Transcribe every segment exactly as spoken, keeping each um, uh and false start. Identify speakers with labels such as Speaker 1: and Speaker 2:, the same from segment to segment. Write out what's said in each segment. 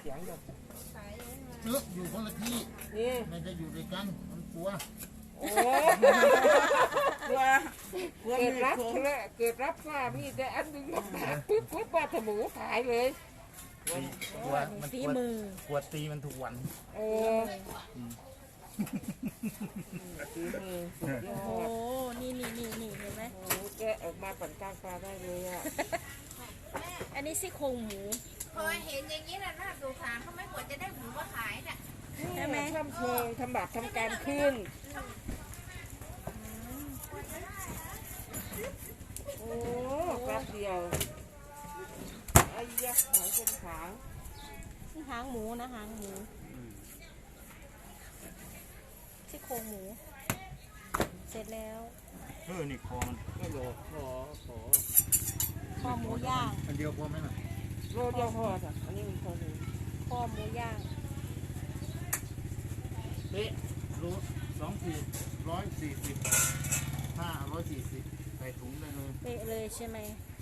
Speaker 1: สียงอยู่
Speaker 2: เอออยู่คนละที่ไม่ได้อยู่ด้วยกันมันกลัว
Speaker 1: โอ้กลัวเกิดรับเกิดรับว่ามีแต่อันนึงปุ๊บปุ๊บปลาถมูขายเลย
Speaker 2: กลัวมันกลัวกลัวตีมันทุกวัน
Speaker 1: โอ้ตีมือ
Speaker 3: โอ้นี่นี่นี่นี่เห็นไหม
Speaker 1: โอ้แกออกมาปั่นกลางปลาได้เลยอ่ะ
Speaker 3: อันนี้ซี่โครงหมู
Speaker 4: พอเห็นอย่างนี้แล้วน่าสงสารเขาไม่ควรจะได้หมูมาขายน่ะ
Speaker 1: ใช่ไหมทำเชิงทำบาปทำการขึ้นโอ้แป๊บเดียวไอ้ยักษ์หางเป็นขาง
Speaker 3: หางหมูนะหางหมูซี่โครงหมูเสร็จแล้ว
Speaker 2: เออนี่คอมัน
Speaker 1: ไม่โหลขอขอ
Speaker 3: คอหมูย่าง
Speaker 2: อันเดียวพอไหมล่ะ
Speaker 1: โลเดียวพอจ้ะอันนี้มีพอเลย
Speaker 3: คอหมูย่าง
Speaker 2: เป๊ะรูสองขีดร้อยสี่สิบห้าร้อยสี่สิบใส่ถุงได้เลย
Speaker 3: เป๊ะเลยใช่ไหม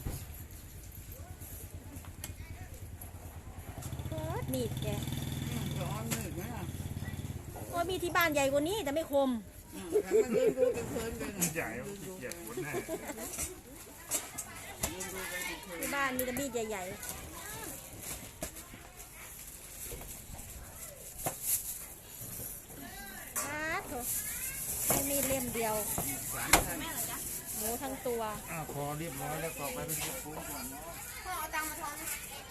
Speaker 3: มีดแก
Speaker 1: ร้อนเลยไหมอ่ะ
Speaker 3: โอ้มีที่บ้านใหญ่กว่านี้แต่ไม่คม
Speaker 1: มันยืนดูกันเพลินกัน
Speaker 2: ใหญ่ขี้เกียจคนแน่
Speaker 3: ที่บ้านมีแต่มีดใหญ่ๆครับไม่มีเล่มเดียวหมูทั้งตัว
Speaker 2: อ้าวพอเรียบร้อยแล้วก็ไปเป็นพวกปูก่อนเนาะ
Speaker 4: พ่อเอาตังค์มาทอน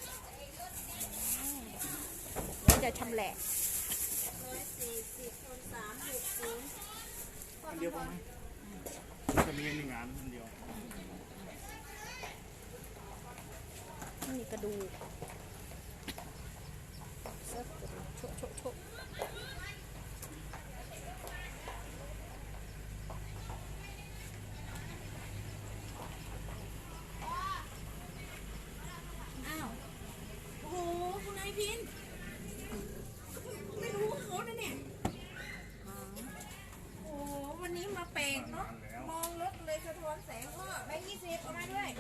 Speaker 3: แล้วจะชำแหละ
Speaker 4: ร้อยสี่สิบคนสามหกศูนย์
Speaker 2: อันเดียวพอไหมจะมีหนึ่งงานอันเดียว
Speaker 3: นี่กระดูกเซิร์ฟโชว์โชว์โชว์
Speaker 4: อ้าวโอ้โหคุณนายพินไม่รู้เขานะเนี่ยโอ้วันนี้มาแปลกเนาะมองรถเลยสะท้อนแสงก็ใบยี่สิบเอามาด้วย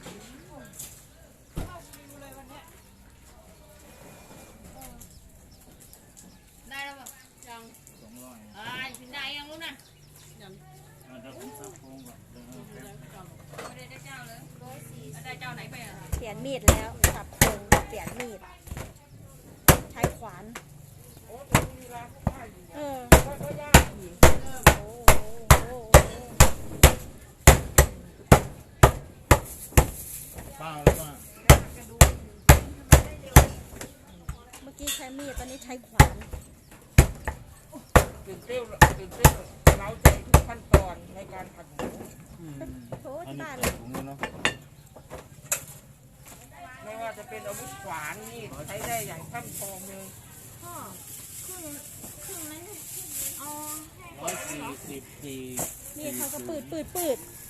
Speaker 4: เข้าคิวเลยวันนี้ได้แล้วป่ะยัง
Speaker 2: สองร้อย
Speaker 4: อ่าถึงได้ยังรู้นะ
Speaker 2: ยังเดี๋ยวผมซักโครงก่อน
Speaker 4: ไม่ได้ได้เจ้าเลยร้อยสี่ได้เจ้าไหนไปอ่ะ
Speaker 3: เปลี่ยนมีดแล้วสับโครงเปลี่ยนมีดใช้ขวาน
Speaker 1: โอ้มีร้านข้าวอยู่
Speaker 3: เออ
Speaker 1: ก็ยากอีก
Speaker 3: โอ้โห
Speaker 2: เปล่าแล้วว่า
Speaker 3: เมื่อกี้ใช้มีดตอนนี้ใช้ขวาน
Speaker 1: ตื่นเต้นตื่นเต้นเราใจทุกขั้นตอนในการผัดหมู
Speaker 3: โอ้ที่บ้าน
Speaker 2: เลยถุงเนาะ
Speaker 1: ไม่ว่าจะเป็นอาวุธขวานนี่ใช้ได้อย่างช่ำชองเลย
Speaker 4: พ่อครึ่งครึ่งนั้นเอา
Speaker 2: ร้อยสี่สิบสี่
Speaker 3: นี่เขาก็ปืดปืดปืด